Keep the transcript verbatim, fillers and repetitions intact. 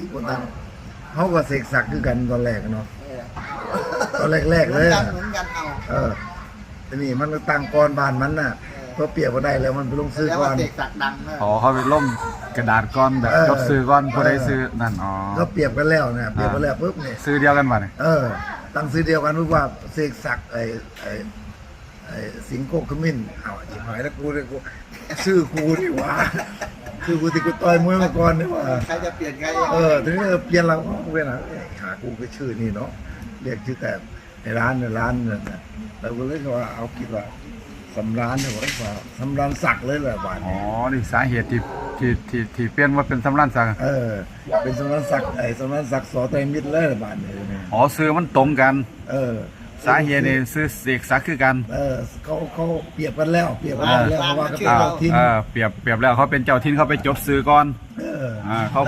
คนตั้งเขาก็เสกศักดิ์คือกันตอนแรกเนาะเออตอนแรกๆเหเลมือนยกันเหมือนกันเอาเออแต่นี่มันก็ตั้งกรบ้านมันน่ะเพราะเปรียบก็ได้แล้วมันไปลงซื้อแล้วก่อว่าน เสกศักดิ์ดังนะอ๋อเขาไปล่มกระดาษก้อนแบบเออจดซื้อก้อนผู้ใดเออซื้อนั่นอ๋อก็เปรียบกันแล้วเนี่ยเปรียบกันแล้วปุ๊บเนี่ยซื้อเดียวกันมาเนี่ยเออ ตั้งซื้อเดียวกันรู้ว่าเสกศักดิ์ไอ้ไอ้ไอ้สิงโกขมิ้นเอาจิ๋มหายแล้วกูเลยกูชื่อกูนี่หว่าชื่อกูที่กูต่อยมวยมาก่อนนี่หว่าใครจะเปลี่ยนใครเออทีนี้เออเปลี่ยนเรากูเป็นอะไรหากูก็ชื่อนี่เนาะเรียกชื่อแต่ในร้านในร้านเนี่ยนะแต่กูเลยว่าเอาคิดว่าสำรานเนี่ยว่าสำรานศักดิ์เลยแหละบ้านอ๋อนี้นี่สาเหตุที่ที่ที่ที่เปลี่ยนว่าเป็นสำรันสักดิ์เออ เป็นสำรานศักดิ์ไอ้สำรานศักดิ์สอไตรมิตรเลยแหละบ้านนี้เนี่ยอ๋อซื้อมันตรงกันเออสาเหตุนี่ซื้อเสกศักดิ์คือกันเออเขาเขาเปรียบกันแล้วเปรียบกันแล้วเพราะว่าก็เป็นอ่าเจ้าทินเออเปรียบเปรียบแล้วเขาเป็นเจ้าทินเขาไปจดซื้อก่อนเอออ่าเขา